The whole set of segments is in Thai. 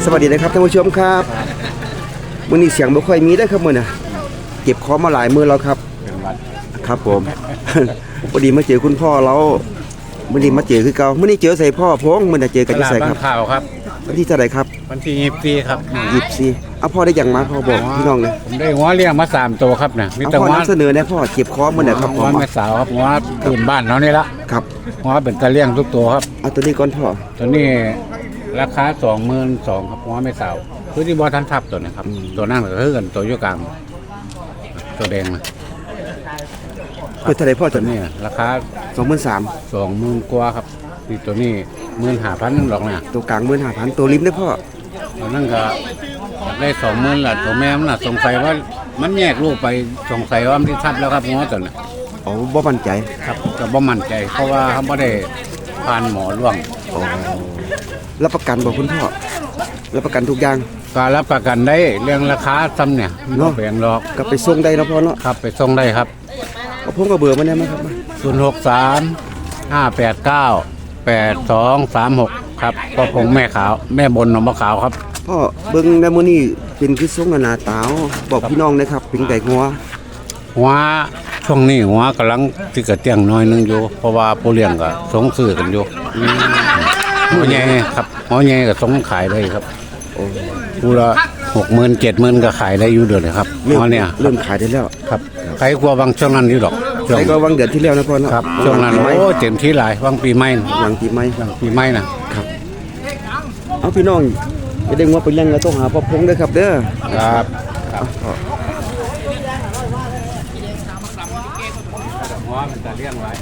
สวัสดีนะครับท่านผู้ชมครับมื้อนี้เสียงบ่ค่อยมีได้ครับมื้อน่ะเก็บของมาหลายมื้อแล้วครับครับผม พอดีมาเจอคุณพ่อเรามื้อนี้มาเจอคือเก่ามื้อนี้เจอใส่พ่อพงมื้อน่ะเจอกันที่ไสครับข่าวครับวันที่เท่าไหร่ครับวันที่24ครับ 24เอาพ่อได้หยังมาพ่อบอกพี่น้องเลยผมได้หัวเลี้ยงมา3ตัวครับนะมีเอาแต่พ่อหัวนำเสนอแน่พ่อเก็บของมื้อน่ะครับหัวแม่สาวครับหัวพื้นบ้านเขานี่ละครับหัวเป็นตะเลี้ยงทุกตัวครับเอาตัวนี้ก่อนพ่อตัวนี้ราคา22,000ครับหัวแม่สาวคือที่บ่ทันทับตัวนะครับตัวนั้นก็คือกันตัวอยู่กลางตัวแดงนะเปิดเท่าไหร่พ่อตัตัว วนี้นี้ราคา 23,000 20,000กว่าครับนี่ตัวนี้15,000นึงหรอกนะตัวกลาง15,000ตัวริมได้อพ่อตัวนั้นก็อยากได้20,000ละตัวแม่มันน่ะสงสัยว่ามันแยกลูกไปสงสัยว่ามันที่ทับแล้วครับหัวตัวน่ะอ๋อบ่มั่นใจครับก็บ่มั่นใจเพราะว่าเขาบ่ได้ผ่านหมอร่วงอ๋อรับประกันบ่คุณพ่อรับประกันทุกอย่างก็รับประกันได้เรื่องราคาซ้ำเนี่ยเนาะบ่แพงหรอกก็ไปส่งได้เนาะพ่อเนาะครับไปส่งได้ครับเอาผมก็เบอร์มาได้มั้ยครับ 063 589 8236ครับก็คงแม่ขาวแม่บนหนองบัวขาวครับพ่อเบิ่งในมื้อนี้เป็นคือทรงหน้าตาวบอกพี่น้องนะครับเป็นไก่งัวหัวช่วงนี้หัวกำลังสิกระเตียงน้อยนึงอยู่เพราะว่าผู้เลี้ยงก็สงซื้อกันอยู่หัวใหญ่ครับหัวใหญ่ก็สงขายได้ครับโอ้ผู้ละ60,000 70,000ก็ขายได้อยู่เดือนเลยครับหัวเนี่ยเริ่มขายได้แล้วครับใครกลัวบางช่วงนั้นอยู่ดอกช่วงใครก็วางเดือนที่แล้วนะพ่อเนาะครับช่วงนั้นไม่โอ้เต็มที่หลายวางปีใหม่หลังปีใหม่ปีใหม่นะครับเอาพี่น้องจะได้งัวไปเลี้ยงแล้วต้องหาพ่อพงด้วยครับเด้อครับครับพ่อหัวมันจะเลี้ยงไว้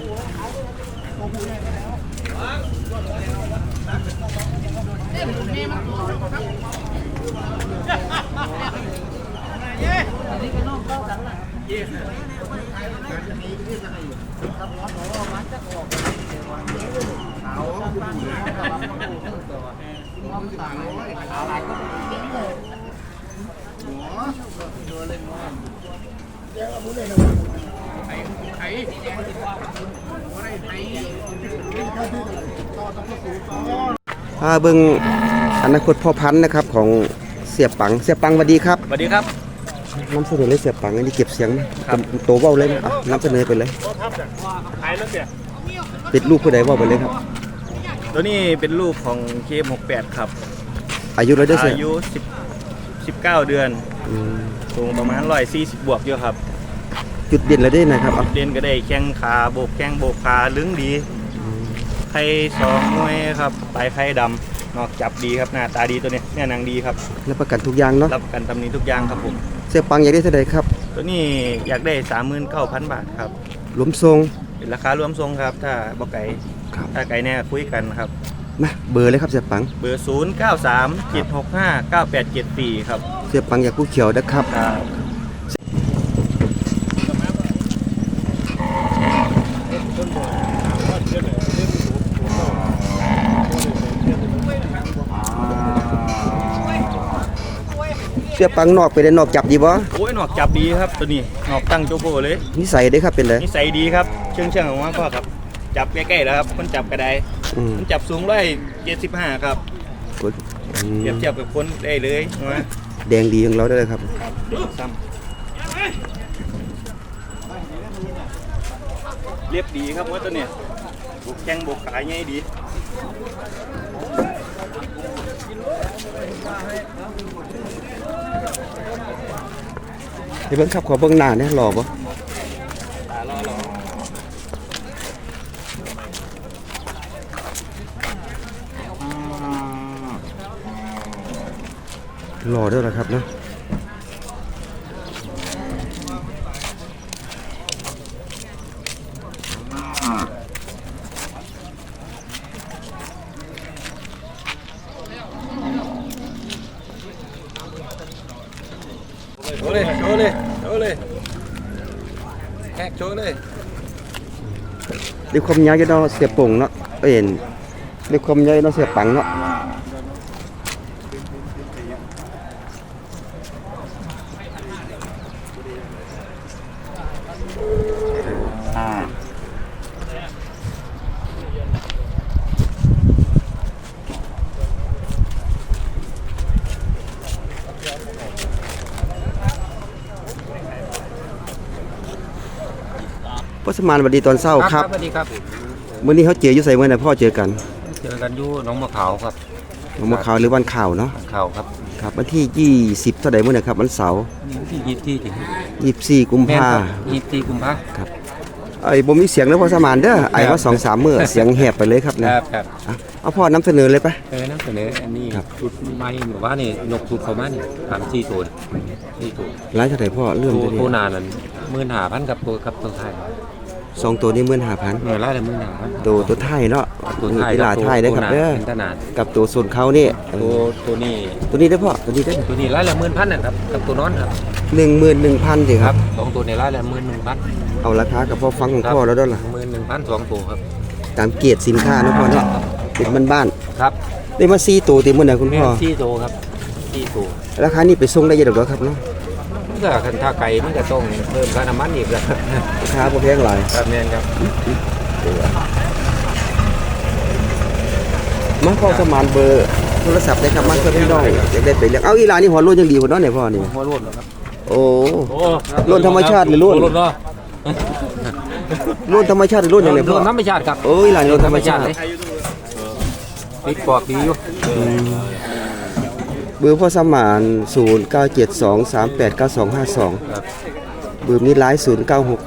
พาเบิ่งอนาคตพ่อพันธุ์นะครับของเสียปังสวัสดีครับสวัสดีครับนำเสนอเลยเสียปังอันนี้เก็บเสียงนะโตเว้าเลยนะอ่ะนำเสนอไปเลยขายแล้วเสียเป็นลูกผู้ใดเว้าไปเลยครับตัวนี้เป็นลูกของเคม68ครับอายุเราได้เสียอายุ19 เดือนอืมสูงประมาณ140บวกอยู่ครับจุดเด่นเราได้นะครับเอาเรียนก็ได้แข้งขาโบกแข้งโบกขาลึงดีไข่2หน่วยครับปลายไข่ดำนอกจับดีครับหน้าตาดีตัวนี้เนี่ยนางดีครับรับประกันทุกอย่างเนาะรับประกันตำหนิทุกอย่างครับผมเสียปังอยากได้เท่าใดครับตัวนี้อยากได้ 39,000 บาทครับหลวมทรงเป็นราคารวมทรงครับถ้าบ่ไก่ครับถ้าไก่แน่คุยกันครับนะเบอร์เลยครับเสียปังเบอร์ 0937659874ครับเสียปังอยากผู้เขียวนะครับครับเสียปังนอกไปได้นอกจับดีบ่โอ้ยหนอกจับดีครับตัวนี้หนอกตั้งโจโบเลยนิสัยได้ครับเป็นไรนิสัยดีครับเชื่องของว่าพ่อครับจับใกล้ๆแล้วครับคนจับกระไดอืมคนจับสูง175ครับอืมเทียบกับคนได้เลยนะแดงดีของเราได้เลยครับซ้ำเรียบดีครับว่าตัวเนี้ยบุกแข้งบุกขาง่ายดีเดี๋ยวเบิ่งครับขอเบิ่งหน้าเนี่ยหล่อบ่ตาล่อหล่อด้วยนะครับเนาะโชว์เลยโชว์เลยโชว์เลยแฮกโชว์เลยด้วยความยาวอยู่เนาะเสียป่งเนาะเห็นด้วยความยาวเนาะเสียปังเนาะสมานสวัสดีตอนเช้าครับสวัสดีครับมื้อนี้เขาเจออยู่ไสมื้อไหนพ่อเจอกันเจอกันอยู่หน้องมะขาวครับวันมะขาวหรือวันข่าวเนาะขาวครับครับวันที่20เท่าใดมื้อนะครับวันเสาร์ที่ยี่ที่ถึง 24กุมแม่นภาครับ24กุมภาไอ้บ่มีเสียงแล้วพ่อสมานเด้อไอ้ว่า 2-3 มื้อเสียงแหบไปเลยครับคนะรับครับเอาพ่อนำเสนอเลยไปนำเสนออันนี้ครับชุดใหม่หรือว่านี่นกชุดเขามานี่3-4ตัว4ตัวหลายเท่าใดพ่อเริ่มตัวเดี๋ยวตัวนี้นานนั้น15,000กับตัวไทยสองตัวนี้เงิ 15,000 นไล่ละ15,000 ตัวไทยเนาะตัวไทยกีฬาไทยได้อครับเด้อเป็นตนานกับตัวส่วนเขานี่เอตัวอนี้ตัวนี้ได้อพ่อตัวนี้ได้อตัวนี้ไล่ละ11,000นะครับกับตัวนอนครับ 11,000สิครับสองตัวนี้ไล่ละ11,000 เอาราคากับพ่อฟังของพ่อแล้วเด้อล่ะ 11,000 2ตัวครับตามเกียรติสินค้าเนาะพ่อเนาะเป็นบ้านครับๆได้มา4ตัวติมื้อน่ะคุณแม่พ่อ 4ตัวครับ4ตัวราคานี้ไปส่งได้เยอะดอกเด้อครับเนาะมันก็คันท่าไก่มันก็ต้องเพิ่มค่าน้ำมันอีกแล้วราคาบ่แพงหลายครับแม่นครับมาพ่อสมานเบอร์โทรศัพท์ได้ครับมาเพื่อพี่น้องอยากได้ไปเลี้ยงเอาอีหลานนี่หัวโล้นยังดีกว่าเนาะเนี่ยพ่อนี่หัวโล้นครับโอ้โล้นธรรมชาติหรือโล้นโล้นเนาะโล้นธรรมชาติหรือโล้นยังไงพ่อโล้นธรรมชาติครับโอ้ยหลานโล้นธรรมชาติเลยปิดปอกดีอยู่เบอร์พ่อสมาน0972389252 ครับเบอร์นี้ไลน์0967573435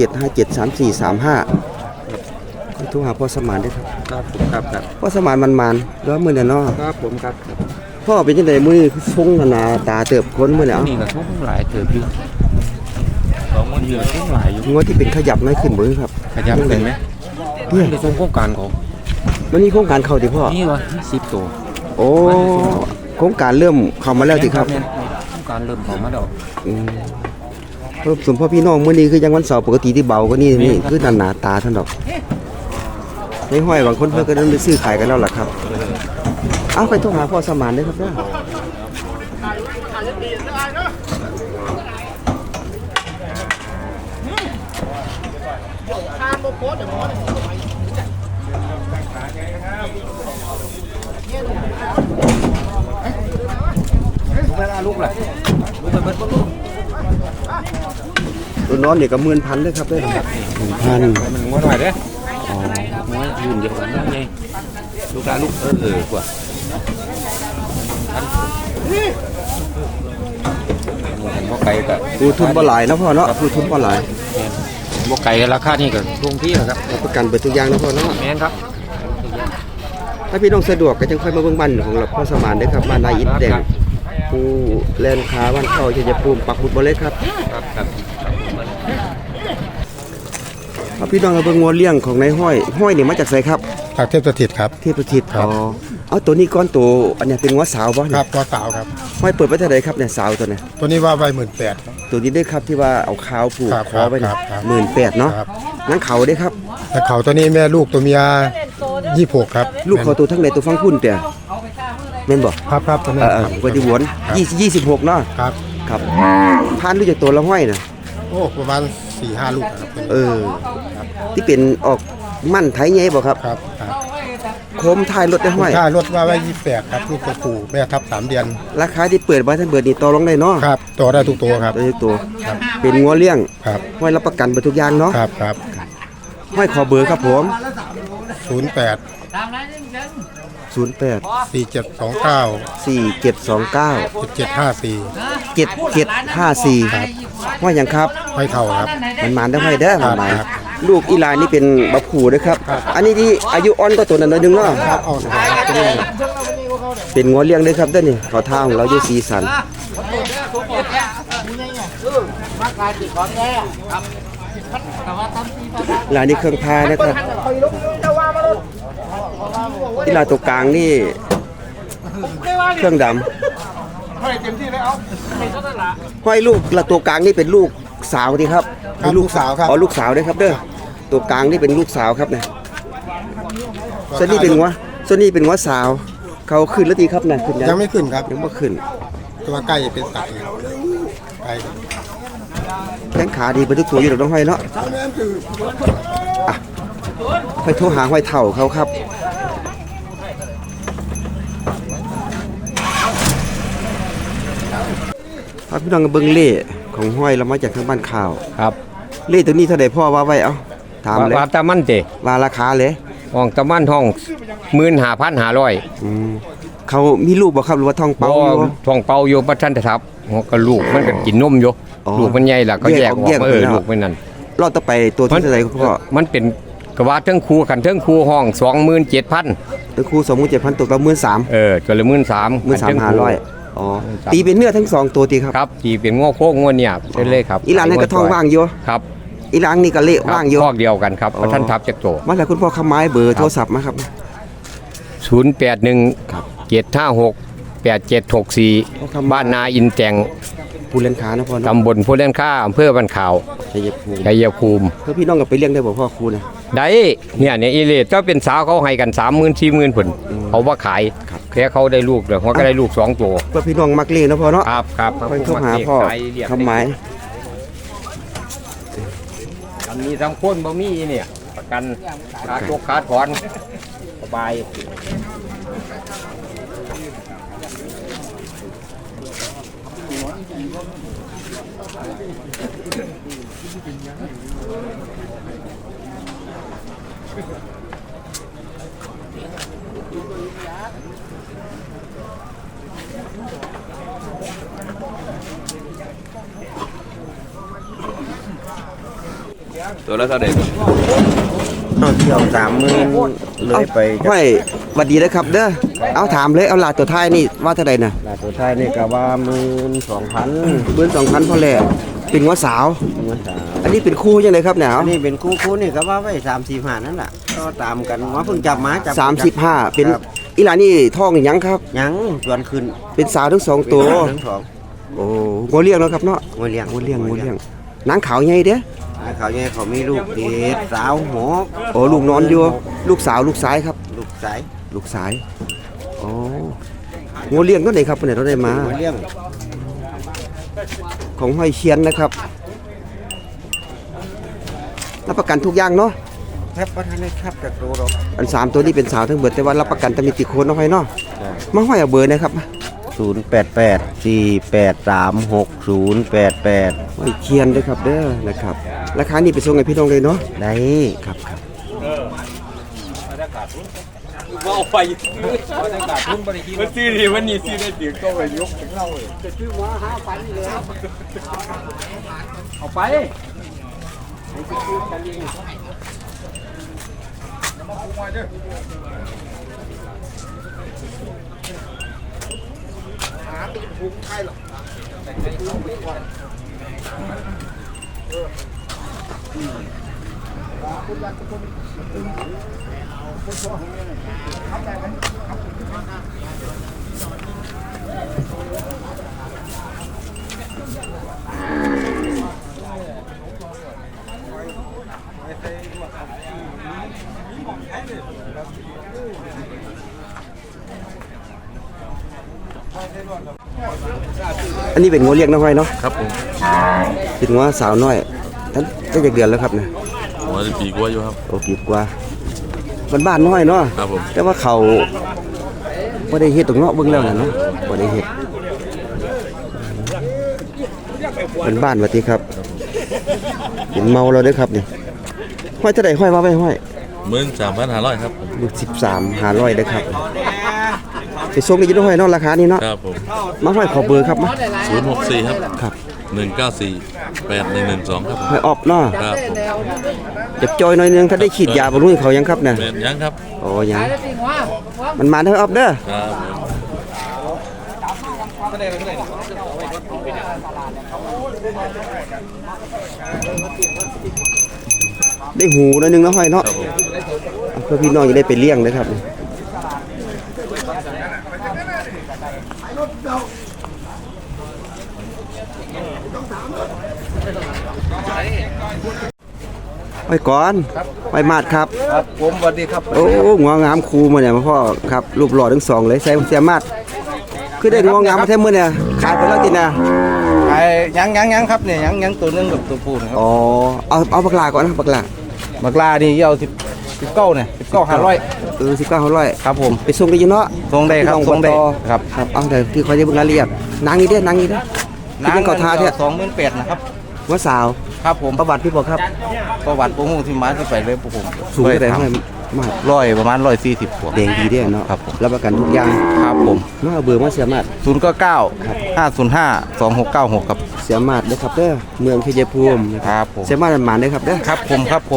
โทรหาพ่อสมานได้ครับครับครับครับพ่อสมานมันๆแล้วมื้อน่ะเนาะครับผมครับพ่อเป็นจังไดมื้อนี้คือทรงหน้าตาเติบคนมื้อนี้เอ้านี่ก็ทุ่งหลายเติบอยู่2มื้อนี้ทุ่งหลายอยู่งวดที่เป็นขยับน้อยขึ้นบ่ครับขยับขึ้นไหมเนี่ยในส่วนโครงการของมันมีโครงการเข้าติพ่อนี่วะ10ตัวโอ้โครงการเริ่มเข้ามาแล้วติครับแม่นโครงการเริ่มเข้ามาแล้วเพราะส่วนพ่อพี่น้องมื้อนี้คือยังวันเสาร์ปกติที่เบากว่านี่นี่คือหน้าตาท่านดอกในห้อยบางคนเพิ่นก็เริ่มได้ซื้อขายกันแล้วล่ะครับเอาไปโทรหาพ่อสมานเด้อครับเด้อตัวนอนนี่ก็10,000เด้อครับเด้อ10,000 มันงวดหน่อยเด้ออ๋องวดยืนเดียวกันได้ไงลูกหลานลูกกว่าบ่ไก่ก็ดูทุนบ่หลายเนาะพ่อเนาะดูทุนบ่หลายบ่ไก่ราคานี่ก็ลงที่ครับรับประกันเบิดทุกอย่างเนาะพ่อเนาะแม่นครับถ้าพี่น้องสะดวกก็จังค่อยมาเบิ่งบ้านของเราพ่อสมานเด้อครับบ้านนายอิฐแดงผู้แลนค้าบ้านเข้าชัยภูมิปักหมุดบ่เลยครับครับครับเอาพี่น้องมาเบิ่งงัวเลี้ยงของนายห้อยนี่มาจากไสครับจากเทพสถิตครับเทพทิศครับอ๋อเอาตัวนี้ก้อนตัวอันเนี้ยเป็นงัวสาวบ่คเนี่รัยบตัวสาวครับห้อยเปิดไว้เท่าไหร่ครับเนี่ยสาวตัวเนี้ยตัวนี้ว่าใบ18,000ครับตัวนี้ได้ครับที่ว่าเอาขาวผูกครับคอไว้เนี่ยครับ 18,000เนาะครับนั่งเขาได้ครับแต่เขาตัวนี้แม่ลูกตัวเมีย26ครับลูกเขาตัวทั้งในตัวฟังพุ่นแต่แม่นบ่ครับครับตัวนี้ปฏิหวน26เนาะครับครับพานรู้จากตัวละห้อยน่ะโอ้ประมาณ 4-5 ลูกครับตัวนี้เออที่เป็นออกมั่นไทยใหญ่บ่ครับครับครับโคมท้ายรถได้ห้อยค่ารถว่าไว้28ครับลูกตัวผู้แม่ทับ3 เดือนราคาที่เปิดไว้ท่านเบิดนี่ต่อรองได้เนาะครับตัวได้ทุกตัวครับตัวนี้ตัวเป็นงัวเลี้ยงครับห้อยรับประกันไปทุกอย่างเนาะครับครับห้อยขอเบอร์ครับผม 08 08 4729 4729 7754 7754ห้อยหยังครับห้อยเท่าครับมันมานได้ห้อยเด้อครับหมายครับลูกอีหลานนี่เป็นบักขู่เด้อครับ อันนี้ที่อายุอ่อนก็ตัวนั้นหน่อยหนึงเนาะครับเอาสิครับตัวนี้เป็นงัวเลี้ยงเด้อครับเด้อนี่ขอทางของเราอยู่สีสันลายนี้เครื่องพานะครับที่ลายตัวกลางนี่เครื่องดำห้อยลูกละตัวกลางนี่เป็นลูกสาวดีครับครับลูกสาวครับอ๋อลูกสาวด้วยครับเด้อตัวกลางนี่เป็นลูกสาวครับเนี่ยส่วนนี้เป็นงัวสาว เขาขึ้นแล้วดีครับนะขึ้นยังไม่ขึ้นครับยังไม่ขึ้นตัวใกล้เป็นสัตว์ไก่แข้งขาดีไปทุกตัวอยู่ดอกน้องห้อยเนาะอ่ะไปโทรหาห้อยเถ่าเขาครับพาพี่น้องกับเบิ้งเล่ของห้อยเรามาจากทางบ้านข่าวครับเล่ตัวนี้เท่าใดพ่อว่าไว้เอาถถามเลยว่าตะมันเตะว่าราคาเลยห้องตะมันห้อง15,500 เขามีลูกบ่ครับหรือว่าท้องบ่เป่าอยู่ท้องเป่าอยู่บ่ทันได้ทับหัวก็ลูกมันก็กินนมอยู่อ๋อลูกมันใหญ่แล้วก็แยกออกแยกออกเออแล้วลูกมันนั่นรอดต่อไปตัวที่เท่าไหร่คุณพ่อมันเป็นกว่าเทิงครูกันเทิงครูห้อง 27,000 ตัวครู27,000ตกละ13,000 ตัวละ13,000 13,500อ๋อตีเป็นเนื้อทั้งสองตัวตีครับครับที่เป็นง้อโค้งง้อเนี่ยใช่เลยครับอีหลานนี่ก็ท้องว่างอยู่ครับอีหลานนี่ก็เละว่างอยู่คอกเดียวกันครับอ๋อท่านทับจักโตมาแล้วคุณพ่อคำไม้เบอร์โทรศัพท์มาครับ 081 756 8764บ้านนาอินแจงผู้เล่นขานะพ่อเนาะตำบลโพเล่นข้าอำเภอบ้านขาวชัยภูมิชัยภูมิเพื่อพี่น้องก็ไปเลี้ยงได้บ่พ่อครูนะได้เนี่ยอีเลดก็เป็นสาวเขาให้กัน 30,000 40,000ผลเขาว่าขายแค่เขาได้ลูกเดี๋ยวเขาก็ได้ลูก2ตัวเพื่อพี่น้องมักเลี้ยงนะพ่อเนาะครับค่อยเข้าหาพ่อคำไม้อันนี้ทำคนบ่มีเนี่ยประกันขาดตกขาดถอนสบายตัวละเท่าไหร่เอาเที่ยว30,000เลยไปห้อยหวัดดีนะครับเด้อเอาถามเลยเอาลาตัวท้ายนี่ว่าเท่าใดน่ะลาตัวท้ายนี่ก็ว่า12,000พอแล้วเป็นหัวสาว อันนี้เป็นคู่จังได๋ครับเนี่ยอันนี้เป็นคู่นี่ก็ว่าไว้3-4 นั่นแหละก็ตามกันว่าเพิ่งจับมาจับ 35เป็นอีหลานนี่ท้องหยังครับยังส่วนขึ้นเป็นสาวทั้งสองตัวทั้งสองโอ้งัวเลี้ยงแล้วครับเนาะงัวเลี้ยงงัวเลี้ยงนางขาวใหญ่เด้อเขาเนี่ยเขามีลูกเด็ดสาวหกโอ้ลูกนอนอยู่ลูกสาวลูกสายครับลูกสายลูกสายโอ้งัวเลี้ยงตัวไหนครับเนี่ยเราได้มางัวเลี้ยงของห้อยเชียนนะครับรับประกันทุกอย่างเนาะแทบประทานได้ครับจากตัวเราอัน3ตัวนี้เป็นสาวทั้งเบิดแต่ว่ารับประกันจะมีติโคนเนาะห้อยเนาะมาห้อยเอาเบอร์นะครับ 088-483-6088 ห้อยเชียนเด้อครับเด้อนะครับราคานี้ไปส่งให้พี่น้องเลยเนาะได้ครับมันซื้อดีวันนี้ซื้อได้เดี๋ยวก็ไปยกถึงเราจะซื้อมา5,000เลยเอาไปอันนี้เป็นงัวเลี้ยงนะห้อยเนาะครับผมเป็นงัวสาวน้อยท่านจะจากเดือนแล้วครับเนี่ยหัวจะปีกว่าอยู่ครับโอ้ปีกว่าบ้านๆน้อยเนาะครับผมแต่ว่าเขาบ่ได้เฮ็ดตรงเนาะเบิ่งแล้วน่ะเนาะบ่ได้เฮ็ดเป็นบ้านว่าติครับเห็นเมาแล้วเด้อครับนี่ห้อยเท่าใดห้อยว่าไว้ห้อย 13,500ครับผมลูก13,500เด้อครับไปส่งได้อยู่เนาะห้อยเนาะราคานี้เนาะครับผมมาห้อยขอเบอร์ครับมา 064ครับครับ 1948112ครับผมห้อยออบเนาะครับผมเจ็บจอยหน่อยนึงถ้าได้ฉีดยาบำรุงให้เขายังครับเนี่ยแม่นยังครับโอ้ยังมันมาเด้อออบเด้อครับผมได้หูหน่อยนึงเนาะห้อยเนาะครับผมเพื่อพี่น้องจะได้ไปเลี้ยงนะครับไปก่อนไปมาดครับครับผมสวัสดีครับโอ้หัวงามคูมาเนี่ยมาพ่อครับรูปหล่อทั้งสองเลยใส่เสียมาดคือได้หัวงามมาแท้มื้อเนี่ยขายไปแล้วตินะไอ้ยังครับเนี่ยยังตัวนึงกับตัวผู้นะครับอ๋อเอาบักลาก่อนนะบักลาบักลานี่เอา19เนี่ย19,500 19,500 ครับผมไปส่งได้อยู่เนาะส่งได้ครับพี่น้ส่งได้บ่ต่อครับครับเอาแต่ที่เขาจะเบิ่งรายละเอียดนางอีเด้อนางอีเด้อที่เป็นเก่าทาเด้อ 28,000นะครับหัวสาวครับผมประวัติพี่บอกครับประวัติพวกหูที่มาที่ไปเลยพวกผมสูงเท่าไหร่เท่าไหร่มากประมาณ140ขวบแดงดีเด้อเนาะครับผมรับประกันทุกอย่างครับผมมาเอาเบอร์มาเสียมาด 099 505 2696ครับเสียมาดเด้อครับเด้อเมืองชัยภูมินะครับผมเสียมาดหมานเด้อครับเด้อครับผม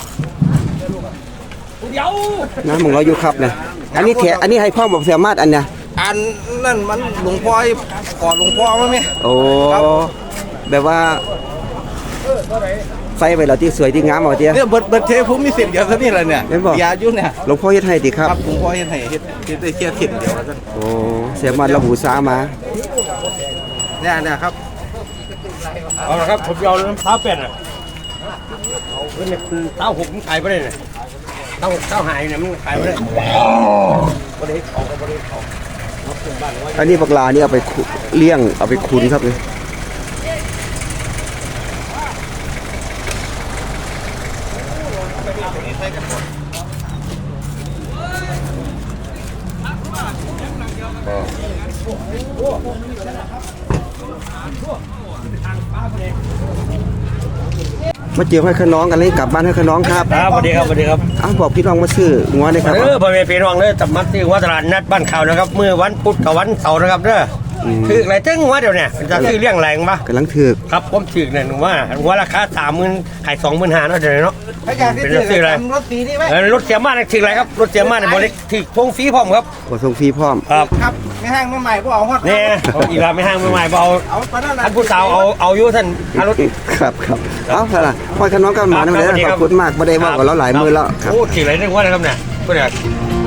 น้ำมึงเราอยู่ครับนะอันนี้แขอันนี้ให้พ่อบอกเสียมาดอันเนี้ยอันนั่นมันหลวงพ่อก่อนหลวงพ่อมั้ยแม่โอ้แบบว่าใส่ไปแล้วที่สวยที่งามเอาเตี้ยเนี่ยเบิดเทผมมี10เดียวเท่านี้แหละเนี่ยเห็นบ่ยาอยู่เนี่ยหลวงพ่อเฮ็ดให้ติครับครับหลวงพ่อเฮ็ดให้เฮ็ดได้แค่10เดียวเท่านั้นโอ้เสียมาดเราหูซามาเนี่ยครับเอาละครับผมเอาน้ำเท้าเป็ดอ่ะเอาเนี่ยเท้าหกมันขายไปได้เนี่ยเท้าหายเนี่ยมันขายไปได้บ่ได้เอาก็บ่ได้เอาอันนี้ปลานี่เอาไปเลี้ยงเอาไปคุนครับเลยมาเจอให้ขน้องกันเลยกลับบ้านให้ขน้องครับครับสวัสดีครับสวัสดีครับอ้าวบอกพี่น้องมาซื้องัวเลยครับพ่อแม่พี่น้องเด้อตับมัดที่วัดตลาดนัดบ้านข่าวนะครับเมื่อวันพุธกับวันเสาร์นะครับเด้ออถืออะไรตึ้งว่าเดี๋ยวเนี่ยจะซื้อเลี้ยงแรงปะกำลังถือกครับผมถือเนี่ยหนูว่าราคา30,000ขาย25,000เนาะเดี๋ยวนี้เนาะถ้าอยากได้เป็นซื้ออะไรรถสีนี่ไหมรถเสียมาเนี่ยถืออะไรครับรถเสียมาเนี่ยบริถือพงฟรีพร้อมครับกดส่งฟรีพร้อมครับครับไม่ห้างไม่ใหม่พวกเอาฮอดนี่อีกแล้วไม่ห้างไม่ใหม่เอาเอาตอนนั้นท่านผู้สาวเอาอยู่ท่านพารถครับเอาเถอะล่ะพ่อขน้องกันมาได้ไหมครับขอบคุณมากไม่ได้ว่ากับเราหลายมือแล้วครับโอ้ถืออะไรนึกว่านะครับเนี่ยก็เนี่ยค